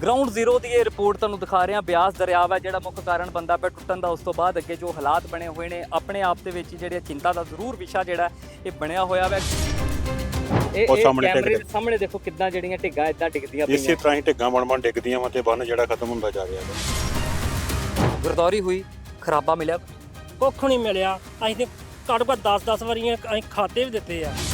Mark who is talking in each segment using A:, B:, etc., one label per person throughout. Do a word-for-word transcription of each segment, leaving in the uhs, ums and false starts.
A: Ground zero ਦੀ ਇਹ report ਤੁਹਾਨੂੰ ਦਿਖਾ ਰਹੇ ਹਾਂ। ਬਿਆਸ ਦਰਿਆ ਹੈ ਜਿਹੜਾ ਮੁੱਖ ਕਾਰਨ ਬੰਦਾ ਪਿਆ ਟੁੱਟਣ ਦਾ। ਉਸ ਤੋਂ ਬਾਅਦ ਅੱਗੇ ਜੋ ਹਾਲਾਤ ਬਣੇ ਹੋਏ ਨੇ ਆਪਣੇ ਆਪ ਦੇ ਵਿੱਚ ਜਿਹੜੇ ਚਿੰਤਾ ਦਾ ਜ਼ਰੂਰ ਵਿਸ਼ਾ ਜਿਹੜਾ ਇਹ ਬਣਿਆ ਹੋਇਆ ਵਾ। ਇਹ
B: ਉਹ ਸਾਹਮਣੇ
A: ਕੈਮਰੇ ਦੇ ਸਾਹਮਣੇ ਦੇਖੋ ਕਿੱਦਾਂ ਜਿਹੜੀਆਂ ਢਿੱਗਾਂ ਇਦਾਂ ਡਿੱਗਦੀਆਂ ਪਈਆਂ।
B: ਇਸੇ ਤਰ੍ਹਾਂ ਹੀ ਢਿੱਗਾਂ ਬਣ ਬਣ ਡਿੱਗਦੀਆਂ ਵਾ ਤੇ ਬੰਨ ਜਿਹੜਾ ਖਤਮ ਹੁੰਦਾ ਜਾ ਰਿਹਾ ਹੈ।
A: ਗਰਦੌਰੀ ਹੋਈ, ਖਰਾਬਾ ਮਿਲਿਆ,
C: ਕੁੱਖ ਨਹੀਂ ਮਿਲਿਆ। ਅਸੀਂ ਤੇ ਘੱਟੋ ਘੱਟ ਦਸ ਦਸ ਵਾਰੀਆਂ ਅਸੀਂ ਖਾਤੇ ਵੀ ਦਿੱਤੇ ਆ।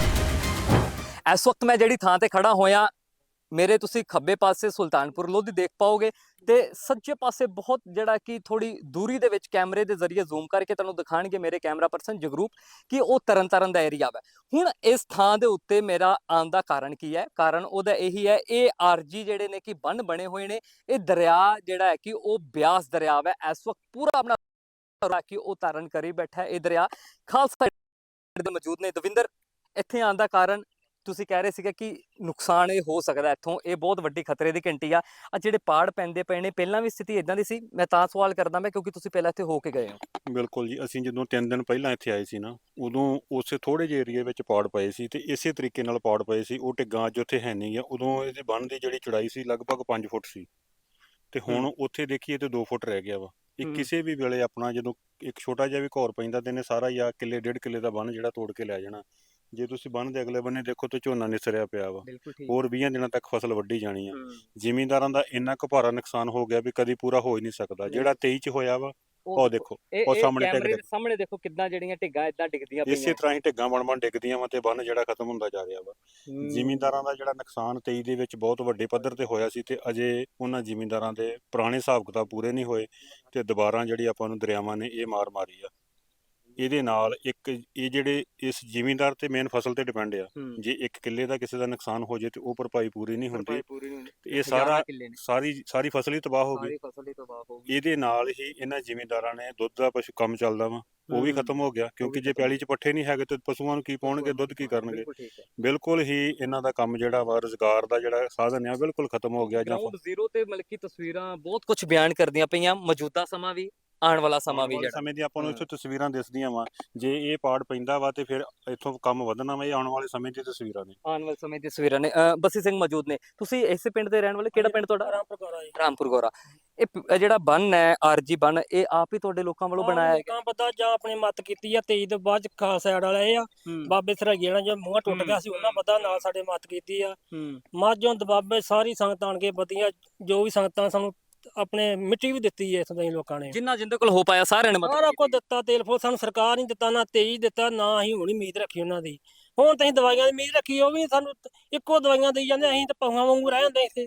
A: ਇਸ ਵਕਤ ਮੈਂ ਜਿਹੜੀ ਥਾਂ ਤੇ ਖੜਾ ਹੋਇਆ, ਮੇਰੇ ਤੁਸੀਂ ਖੱਬੇ ਪਾਸੇ ਸੁਲਤਾਨਪੁਰ ਲੋਧੀ ਦੇਖ ਪਾਓਗੇ ਤੇ ਸੱਜੇ ਪਾਸੇ ਬਹੁਤ ਜਿਹੜਾ ਕਿ ਥੋੜੀ ਦੂਰੀ ਦੇ ਵਿੱਚ ਕੈਮਰੇ ਦੇ ਜ਼ਰੀਏ ਜ਼ੂਮ ਕਰਕੇ ਤੁਹਾਨੂੰ ਦਿਖਾਣਗੇ ਮੇਰੇ ਕੈਮਰਾ ਪਰਸਨ ਜਗਰੂਪ ਕਿ ਉਹ ਤਰਨਤਾਰਨ ਦਾ ਏਰੀਆ ਹੈ। ਹੁਣ ਇਸ ਥਾਂ ਦੇ ਉੱਤੇ ਮੇਰਾ ਆਉਣ ਦਾ ਕਾਰਨ ਕੀ ਹੈ? ਕਾਰਨ ਉਹਦਾ ਇਹੀ ਹੈ, ਇਹ ਆਰਜੀ ਜਿਹੜੇ ਨੇ ਕਿ ਬੰਨ ਬਣੇ ਹੋਏ ਨੇ। ਇਹ ਦਰਿਆ ਜਿਹੜਾ ਹੈ ਕਿ ਉਹ ਬਿਆਸ ਦਰਿਆ ਹੈ, ਇਸ ਵਕਤ ਪੂਰਾ ਆਪਣਾ ਕਿ ਉਹ ਧਾਰਨ ਕਰੀ ਬੈਠਾ। ਇਹ ਦਰਿਆ ਖਾਲਸਾ ਦੇ ਮੌਜੂਦ ਨੇ। ਦਵਿੰਦਰ, ਇੱਥੇ ਆਉਣ ਦਾ ਕਾਰਨ ਤੁਸੀਂ ਕਹਿ ਰਹੇ ਸੀਗੇ ਕਿ ਨੁਕਸਾਨ ਇਹ ਹੋ ਸਕਦਾ ਇੱਥੋਂ, ਇਹ ਬਹੁਤ ਵੱਡੀ ਖਤਰੇ ਦੀ ਘੰਟੀ ਆ। ਆ ਜਿਹੜੇ ਪਾੜ ਪੈਂਦੇ ਪਏ ਨੇ, ਪਹਿਲਾਂ ਵੀ ਸਥਿਤੀ ਇਦਾਂ ਦੀ ਸੀ? ਮੈਂ ਤਾਂ ਸਵਾਲ ਕਰਦਾ ਮੈਂ ਕਿਉਂਕਿ ਤੁਸੀਂ ਪਹਿਲਾਂ ਇੱਥੇ ਹੋ ਕੇ ਗਏ ਹੋ।
B: ਬਿਲਕੁਲ ਜੀ, ਅਸੀਂ ਜਦੋਂ ਤਿੰਨ ਦਿਨ ਪਹਿਲਾਂ ਇੱਥੇ ਆਏ ਸੀ ਨਾ, ਉਦੋਂ ਉਸੇ ਥੋੜੇ ਜਿਹੇ ਏਰੀਏ ਵਿੱਚ ਪਾੜ ਪਏ ਸੀ ਤੇ ਇਸੇ ਤਰੀਕੇ ਨਾਲ ਪਾੜ ਪਏ ਸੀ। ਉਹ ਢਿੱਗਾਂ ਅੱਜ ਉੱਥੇ ਹੈ ਨਹੀਂ ਆ। ਉਦੋਂ ਇਹਦੇ ਬੰਨ ਦੀ ਜਿਹੜੀ ਚੌੜਾਈ ਸੀ ਲਗਭਗ ਪੰਜ ਫੁੱਟ ਸੀ ਤੇ ਹੁਣ ਉੱਥੇ ਦੇਖੀਏ ਤੇ ਦੋ ਫੁੱਟ ਰਹਿ ਗਿਆ ਵਾ। ਇਹ ਕਿਸੇ ਵੀ ਵੇਲੇ ਆਪਣਾ ਜਦੋਂ ਇੱਕ ਛੋਟਾ ਜਿਹਾ ਵੀ ਘੌਰ ਪੈਂਦਾ ਤੇ ਇਹਨੇ ਸਾਰਾ ਜਾਂ ਕਿੱਲੇ ਡੇਢ ਕਿੱਲੇ ਦਾ ਬੰਨ ਜਿਹੜਾ ਤੋੜ ਕੇ ਲੈ ਜਾਣਾ। ਜੇ ਤੁਸੀਂ ਬੰਨ ਦੇ ਅਗਲੇ ਬੰਨੇ ਦੇਖੋ ਤੇ ਝੋਨਾ ਨਿਸਰਿਆ ਪਿਆ ਵਾ। ਹੋਰ ਵੀਹ ਦਿਨਾਂ ਤੱਕ ਫਸਲ ਵੱਢੀ ਜਾਣੀ ਆ। ਜ਼ਿਮੀਂਦਾਰਾਂ ਦਾ ਇੰਨਾ ਕੁ ਭਾਰਾ ਨੁਕਸਾਨ ਹੋ ਗਿਆ ਵੀ ਕਦੀ ਪੂਰਾ ਹੋ ਹੀ ਨਹੀਂ ਸਕਦਾ। ਜਿਹੜਾ ਤੇਈ ਚ ਹੋਇਆ ਵਾ ਉਹ ਦੇਖੋ, ਉਹ ਸਾਹਮਣੇ
A: ਕੈਮਰੇ ਦੇ ਸਾਹਮਣੇ ਦੇਖੋ ਕਿੱਦਾਂ ਜਿਹੜੀਆਂ ਢਿੱਗਾਂ ਇਦਾਂ ਡਿੱਗਦੀਆਂ ਪਈਆਂ।
B: ਇਸੇ ਤਰ੍ਹਾਂ ਹੀ ਢਿੱਗਾਂ ਬਣ ਬਣ ਡਿੱਗਦੀਆਂ ਵਾ ਤੇ ਬੰਨ ਜਿਹੜਾ ਖਤਮ ਹੁੰਦਾ ਜਾ ਰਿਹਾ ਵਾ। ਜ਼ਿਮੀਂਦਾਰਾਂ ਦਾ ਜਿਹੜਾ ਨੁਕਸਾਨ ਤੇਈ ਦੇ ਵਿੱਚ ਬਹੁਤ ਵੱਡੇ ਪੱਧਰ ਤੇ ਹੋਇਆ ਸੀ ਤੇ ਅਜੇ ਉਹਨਾਂ ਜ਼ਿਮੀਂਦਾਰਾਂ ਦੇ ਪੁਰਾਣੇ ਹਿਸਾਬ ਕਿਤਾਬ ਪੂਰੇ ਨਹੀਂ ਹੋਏ ਤੇ ਦੁਬਾਰਾ ਜਿਹੜੀ ਆਪਾਂ ਨੂੰ ਦਰਿਆਵਾਂ ਨੇ ਇਹ ਮਾਰ ਮਾਰੀ ਆ। ਇਹਦੇ ਨਾਲ ਇੱਕ ਇਹ ਜਿਹੜੇ ਇਸ ਜ਼ਿਮੀਂਦਾਰ ਤੇ ਮੇਨ ਫਸਲ ਤੇ ਡਿਪੈਂਡ ਆ। ਜੇ ਇੱਕ ਕਿੱਲੇ ਦਾ ਕਿਸੇ ਦਾ ਨੁਕਸਾਨ ਹੋ ਜੇ ਤੇ ਉਹ ਭਰਪਾਈ ਪੂਰੀ ਨਹੀਂ ਹੁੰਦੀ ਤੇ ਇਹ ਸਾਰਾ ਸਾਰੀ ਸਾਰੀ ਫਸਲ ਹੀ ਤਬਾਹ ਹੋ ਗਈ। ਇਹਦੇ ਨਾਲ ਹੀ ਇਹਨਾਂ ਜ਼ਿਮੀਂਦਾਰਾਂ ਨੇ ਦੁੱਧ ਦਾ ਪਸ਼ੂ ਕੰਮ ਚੱਲਦਾ ਵਾ ਉਹ ਵੀ ਖਤਮ ਹੋ ਗਿਆ, ਕਿਉਂਕਿ ਜੇ ਪੈਲੀ 'ਚ ਪੱਠੇ ਨਹੀਂ ਹੈਗੇ ਤੇ ਪਸ਼ੂਆਂ ਨੂੰ ਕੀ ਪਾਉਣਗੇ, ਦੁੱਧ ਕੀ ਕਰਨਗੇ। ਬਿਲਕੁਲ ਹੀ ਇਹਨਾਂ ਦਾ ਕੰਮ ਜਿਹੜਾ ਵਾ ਰੁਜ਼ਗਾਰ ਦਾ ਜਿਹੜਾ ਸਾਧਨ ਆ ਬਿਲਕੁਲ ਖਤਮ ਹੋ ਗਿਆ।
A: ਗਰਾਊਂਡ ਜ਼ੀਰੋ ਤੇ ਮਤਲਬ ਕਿ ਤਸਵੀਰਾਂ ਬਹੁਤ ਕੁਝ ਬਿਆਨ ਕਰਦੀਆਂ ਪਈਆਂ, ਮੌਜੂਦਾ ਸਮਾਂ ਵੀ ਆਉਣ ਵਾਲਾ ਸਮਾਂ ਵੀ। ਜਿਹੜਾ
B: ਸਮੇਂ ਦੀ ਆਪਾਂ ਨੂੰ ਇੱਥੇ ਤਸਵੀਰਾਂ ਦਿਸਦੀਆਂ ਵਾ। ਜੇ ਇਹ ਪਾੜ ਪੈਂਦਾ ਵਾ ਤੇ ਫਿਰ ਇੱਥੋਂ ਕੰਮ ਵਧਣਾ ਵਾ। ਇਹ ਆਉਣ ਵਾਲੇ ਸਮੇਂ ਦੀ ਤਸਵੀਰਾਂ ਨੇ,
A: ਆਉਣ ਵਾਲੇ ਸਮੇਂ ਦੀ ਤਸਵੀਰਾਂ ਨੇ। ਬੱਸੀ ਸਿੰਘ ਮੌਜੂਦ ਨੇ। ਤੁਸੀਂ ਇਸੇ ਪਿੰਡ ਦੇ ਰਹਿਣ ਵਾਲੇ? ਕਿਹੜਾ ਪਿੰਡ ਤੁਹਾਡਾ?
C: ਰਾਮਪੁਰ ਗੋਰਾ ਜੀ।
A: ਰਾਮਪੁਰ ਗੋਰਾ। ਇਹ ਜਿਹੜਾ ਬੰਨ ਹੈ ਆਰਜੀ ਬੰਨ, ਇਹ ਆਪ ਹੀ ਤੁਹਾਡੇ ਲੋਕਾਂ ਵੱਲੋਂ ਬਣਾਇਆ ਹੈ?
C: ਤਾਂ ਪਤਾ ਜਾਂ ਆਪਣੀ ਮੱਤ ਕੀਤੀ ਆ ਤੇਈ ਤੋਂ ਬਾਅਦ ਖਾਸ ਸਾਈਡ ਵਾਲੇ ਆ ਬਾਬੇ ਸਰਾਈਏ ਨਾਲ ਜੋ ਮੂੰਹ ਟੁੱਟ ਗਿਆ ਸੀ ਉਹਨਾਂ ਪਤਾ ਨਾਲ ਸਾਡੇ ਮੱਤ ਕੀਤੀ ਆ। ਮਾਝੋਂ ਦਬਾਬੇ ਸਾਰੀ ਸੰਗਤ ਆਣ ਕੇ ਵਧੀਆ ਜੋ ਵੀ ਸੰਗਤਾਂ ਸਾਨੂੰ ਆਪਣੇ ਮਿੱਟੀ ਵੀ ਦਿੱਤੀ ਹੈ ਇੱਥੋਂ ਦੇ ਲੋਕਾਂ ਨੇ, ਜਿੰਨਾ
A: ਜਿੰਦੇ ਕੋਲ ਹੋ ਪਾਇਆ ਸਾਰਿਆਂ ਨੇ ਮਦਦ
C: ਸਾਰਾ ਕੁਝ ਦਿੱਤਾ। ਤੇਲ ਫੁੱਲ ਸਾਨੂੰ ਸਰਕਾਰ ਨਹੀਂ ਦਿੱਤਾ, ਨਾ ਤੇਈ ਦਿੱਤਾ, ਨਾ ਅਸੀਂ ਹੁਣ ਉਮੀਦ ਰੱਖੀ ਉਹਨਾਂ ਦੀ। ਹੁਣ ਤਾਂ ਅਸੀਂ ਦਵਾਈਆਂ ਦੀ ਉਮੀਦ ਰੱਖੀ, ਉਹ ਵੀ ਸਾਨੂੰ ਇੱਕੋ ਦਵਾਈਆਂ ਦੇਈ ਜਾਂਦੇ। ਅਸੀਂ ਤਾਂ ਪਹੂਆਂ ਵਾਂਗੂ ਰਹਿ ਜਾਂਦੇ ਇੱਥੇ,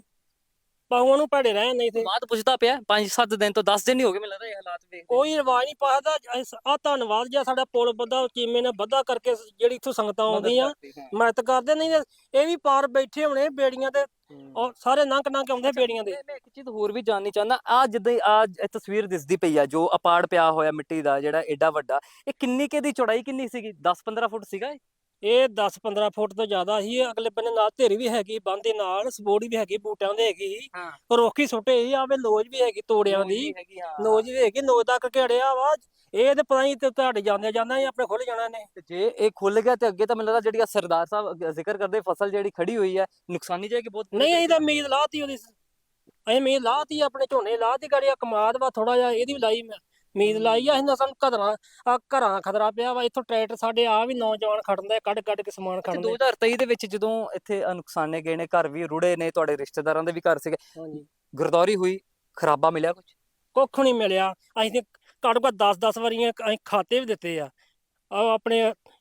C: ਪਹੂਆਂ ਨੂੰ ਭੜੇ ਰਹਿ ਜਾਂਦੇ ਇੱਥੇ।
A: ਬਾਤ ਪੁੱਛਦਾ ਪਿਆ ਪੰਜ ਸੱਤ ਦਿਨ ਤੋਂ ਦਸ ਦਿਨ ਹੀ ਹੋ ਗਏ ਮੈਨੂੰ ਲੱਗਦਾ ਇਹ ਹਾਲਾਤ ਵੇਖ
C: ਕੋਈ ਰਿਵਾਜ ਨਹੀਂ ਪਾਦਾ। ਆ ਧੰਨਵਾਦ ਜੀ ਸਾਡਾ ਪੁਲ ਬੱਧਾ ਚੀਮੇ ਨੇ ਬੱਧਾ ਕਰਕੇ ਜਿਹੜੀ ਇੱਥੋਂ ਸੰਗਤਾਂ ਆਉਂਦੀਆਂ ਮਦਦ ਕਰਦੇ। ਨਹੀਂ ਇਹ ਵੀ ਪਾਰ ਬੈਠੇ ਹੋਣੇ ਬੇੜੀਆਂ ਤੇ, ਉਹ ਸਾਰੇ ਨੰਕ ਨੰਕ ਆਉਂਦੇ ਬੇੜੀਆਂ ਦੇ।
A: ਮੈਂ ਇੱਕ ਚੀਜ਼ ਹੋਰ ਵੀ ਜਾਣਨੀ ਚਾਹੁੰਦਾ, ਆ ਜਿੱਦਾਂ ਆ ਤਸਵੀਰ ਦਿਸਦੀ ਪਈ ਆ ਜੋ ਅਪਾੜ ਪਿਆ ਹੋਇਆ ਮਿੱਟੀ ਦਾ ਜਿਹੜਾ ਏਡਾ ਵੱਡਾ, ਇਹ ਕਿੰਨੀ ਕੇ ਦੀ ਚੌੜਾਈ ਕਿੰਨੀ ਸੀਗੀ? ਦਸ ਪੰਦਰਾਂ ਫੁੱਟ ਸੀਗਾ ਇਹ?
C: ਇਹ ਦਸ ਪੰਦਰਾਂ ਫੁੱਟ ਤੋਂ ਜ਼ਿਆਦਾ ਸੀ। ਅਗਲੇ ਬੰਨੇ ਨਾਲ ਢੇਰੀ ਵੀ ਹੈਗੀ, ਬੰਨ ਦੇ ਨਾਲ ਸਪੋਰਟ ਵੀ ਹੈਗੀ, ਬੂਟਿਆਂ ਦੇ ਹੈਗੀ, ਰੋਕੀ ਸੁੱਟੇ ਹੀ ਆਵੇ, ਲੋਜ ਵੀ ਹੈਗੀ ਤੋੜਿਆਂ ਦੀ, ਨੋਜ ਵੀ ਹੈਗੀ, ਨੋਜ ਤੱਕ ਘੇੜਿਆ ਵਾ। ਇਹ ਤੇ ਪਤਾ ਨਹੀਂ ਤੁਹਾਡੇ ਜਾਂਦੇ ਜਾਂਦਾ ਆਪਣੇ ਖੁੱਲ ਜਾਣਾ ਨੇ।
A: ਜੇ ਇਹ ਖੁੱਲ ਗਿਆ ਤੇ ਅੱਗੇ ਤਾਂ ਮੈਨੂੰ ਲੱਗਦਾ ਜਿਹੜੀ ਸਰਦਾਰ ਸਾਹਿਬ ਜ਼ਿਕਰ ਕਰਦੇ ਫਸਲ ਜਿਹੜੀ ਖੜੀ ਹੋਈ ਹੈ ਨੁਕਸਾਨੀ ਜਾਏਗੀ ਬਹੁਤ।
C: ਨਹੀਂ ਅਸੀਂ ਤਾਂ ਉਮੀਦ ਲਾਤੀ ਉਹਦੀ, ਅਸੀਂ ਉਮੀਦ ਲਾਤੀ ਆਪਣੇ ਝੋਨੇ ਲਾਤੀ ਗੜੀਆ ਕਮਾਦ ਵਾ ਥੋੜਾ ਜਿਹਾ ਇਹਦੀ ਵੀ ਲਾਈ ਮੈਂ ਉਮੀਦ ਲਾਈ ਆ। ਅਸੀਂ ਸਾਨੂੰ ਘਰਾਂ ਘਰਾਂ ਖਤਰਾ ਪਿਆ ਵਾ। ਇੱਥੋਂ ਟਰੈਕਟਰ ਸਾਡੇ ਆ ਵੀ ਨੌਜਵਾਨ ਖੜਨਦੇ ਕੱਢ ਕੱਢ ਕੇ ਸਮਾਨ ਖੜਨਦੇ। ਦੋ ਹਜ਼ਾਰ ਤੇਈ ਦੇ ਵਿੱਚ ਜਦੋਂ ਇੱਥੇ ਨੁਕਸਾਨੇ ਗਏ ਨੇ, ਘਰ ਵੀ ਰੁੜੇ ਨੇ, ਤੁਹਾਡੇ ਰਿਸ਼ਤੇਦਾਰਾਂ ਦੇ ਵੀ ਘਰ ਸੀਗੇ, ਗਰਦੌਰੀ ਹੋਈ, ਖਰਾਬਾ ਮਿਲਿਆ ਕੁਝ? ਕੁੱਖ ਨਹੀਂ ਮਿਲਿਆ। ਅਸੀਂ ਤੇ ਘੱਟੋ ਘੱਟ ਦਸ ਦਸ ਵਾਰੀਆਂ ਅਸੀਂ ਖਾਤੇ ਵੀ ਦਿੱਤੇ ਆ। ਆ ਆਪਣੇ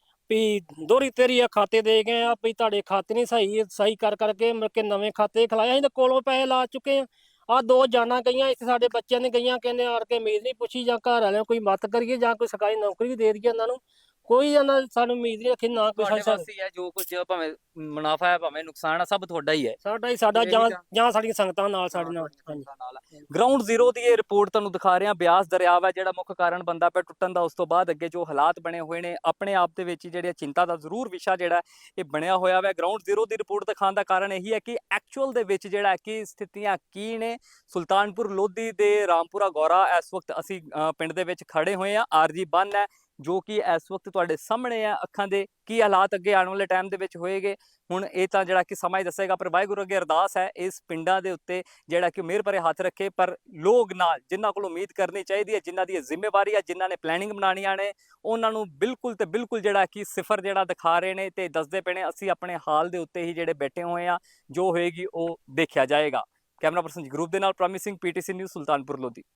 C: ਵੀ ਦੋਹਰੀ ਤੇਰੀ ਆ ਖਾਤੇ ਦੇ ਗਏ ਆ ਵੀ ਤੁਹਾਡੇ ਖਾਤੇ ਨਹੀਂ ਸਹੀ ਸਹੀ ਕਰ ਕਰਕੇ ਮੁੜ ਕੇ ਨਵੇਂ ਖਾਤੇ ਖਿਲਾਏ। ਅਸੀਂ ਤਾਂ ਕੋਲੋਂ ਪੈਸੇ ਲਾ ਚੁੱਕੇ ਆ। ਆ ਦੋ ਜਾਨਾਂ ਗਈਆਂ ਇੱਥੇ ਸਾਡੇ ਬੱਚਿਆਂ ਨੇ ਗਈਆਂ, ਕਹਿੰਦੇ ਆੜ ਕੇ ਉਮੀਦ ਨਹੀਂ ਪੁੱਛੀ ਜਾਂ ਘਰ ਵਾਲਿਆਂ ਕੋਈ ਮਦਦ ਕਰੀਏ ਜਾਂ ਕੋਈ ਸਰਕਾਰੀ ਨੌਕਰੀ ਵੀ ਦੇ ਦਈਏ ਇਹਨਾਂ ਨੂੰ। ਕੋਈ ਇਹਨਾਂ ਸਾਨੂੰ ਉਮੀਦ ਨਹੀਂ ਰੱਖੀ ਨਾ ਕੋਈ ਹੈ। ਜੋ ਕੁਝ ਭਾਵੇਂ ਮੁਨਾਫਾ ਹੈ ਭਾਵੇਂ ਨੁਕਸਾਨ ਹੈ ਸਭ ਤੁਹਾਡਾ ਹੀ ਹੈ। ਸਾਡਾ ਹੀ ਸਾਡਾ ਜਾਂ ਜਾਂ ਸਾਡੀਆਂ ਸੰਗਤਾਂ ਨਾਲ ਸਾਡੇ ਨਾਲ। ਗਰਾਊਂਡ ਜ਼ੀਰੋ ਦੀ ਇਹ ਰਿਪੋਰਟ ਤੁਹਾਨੂੰ ਦਿਖਾ ਰਹੇ ਹਾਂ। ਬਿਆਸ ਦਰਿਆ ਹੈ ਜਿਹੜਾ ਮੁੱਖ ਕਾਰਨ ਬੰਦਾ ਪਿਆ ਟੁੱਟਣ ਦਾ। ਉਸ ਤੋਂ ਬਾਅਦ ਅੱਗੇ ਜੋ ਹਾਲਾਤ ਬਣੇ ਹੋਏ ਨੇ ਆਪਣੇ ਆਪ ਦੇ ਵਿੱਚ ਜਿਹੜੇ ਚਿੰਤਾ ਦਾ ਜ਼ਰੂਰ ਵਿਸ਼ਾ ਜਿਹੜਾ ਇਹ ਬਣਿਆ ਹੋਇਆ ਵਾ। ਗਰਾਊਂਡ ਜ਼ੀਰੋ ਦੀ ਰਿਪੋਰਟ ਦਿਖਾਉਣ ਦਾ ਕਾਰਨ ਇਹੀ ਹੈ ਕਿ ਐਕਚੁਅਲ ਦੇ ਵਿੱਚ ਜਿਹੜਾ ਕਿ ਸਥਿਤੀਆਂ ਕੀ ਨੇ। ਸੁਲਤਾਨਪੁਰ ਲੋਧੀ ਦੇ ਰਾਮਪੁਰਾ ਗੋਰਾ ਇਸ ਵਕਤ ਅਸੀਂ ਪਿੰਡ ਦੇ ਵਿੱਚ ਖੜੇ ਹੋਏ ਹਾਂ। ਆਰਜੀ ਬੰਨ ਹੈ
A: ਜੋ ਕਿ ਇਸ ਵਕਤ ਤੁਹਾਡੇ ਸਾਹਮਣੇ ਆ ਅੱਖਾਂ ਦੇ। ਕੀ ਹਾਲਾਤ ਅੱਗੇ ਆਉਣ ਵਾਲੇ ਟਾਈਮ ਦੇ ਵਿੱਚ ਹੋਏਗੇ ਹੁਣ ਇਹ ਤਾਂ ਜਿਹੜਾ ਕਿ ਸਮਾਂ ਹੀ ਦੱਸੇਗਾ, ਪਰ ਵਾਹਿਗੁਰੂ ਅੱਗੇ ਅਰਦਾਸ ਹੈ ਇਸ ਪਿੰਡਾਂ ਦੇ ਉੱਤੇ ਜਿਹੜਾ ਕਿ ਮਿਹਰ ਭਰੇ ਹੱਥ ਰੱਖੇ। ਪਰ ਲੋਕ ਨਾਲ ਜਿਨ੍ਹਾਂ ਕੋਲ ਉਮੀਦ ਕਰਨੀ ਚਾਹੀਦੀ ਹੈ, ਜਿਨ੍ਹਾਂ ਦੀ ਇਹ ਜ਼ਿੰਮੇਵਾਰੀ ਹੈ, ਜਿਨ੍ਹਾਂ ਨੇ ਪਲੈਨਿੰਗ ਬਣਾਉਣੀਆਂ ਨੇ, ਉਹਨਾਂ ਨੂੰ ਬਿਲਕੁਲ ਤੇ ਬਿਲਕੁਲ ਜਿਹੜਾ ਕਿ ਸਿਫਰ ਜਿਹੜਾ ਦਿਖਾ ਰਹੇ ਨੇ ਤੇ ਦੱਸਦੇ ਪਏ ਨੇ। ਅਸੀਂ ਆਪਣੇ ਹਾਲ ਦੇ ਉੱਤੇ ਹੀ ਜਿਹੜੇ ਬੈਠੇ ਹੋਏ ਆ, ਜੋ ਹੋਏਗੀ ਉਹ ਦੇਖਿਆ ਜਾਏਗਾ। ਕੈਮਰਾ ਪਰਸਨ ਜਗਰੂਪ ਦੇ ਨਾਲ promising PTC News Sultanpur Lodhi.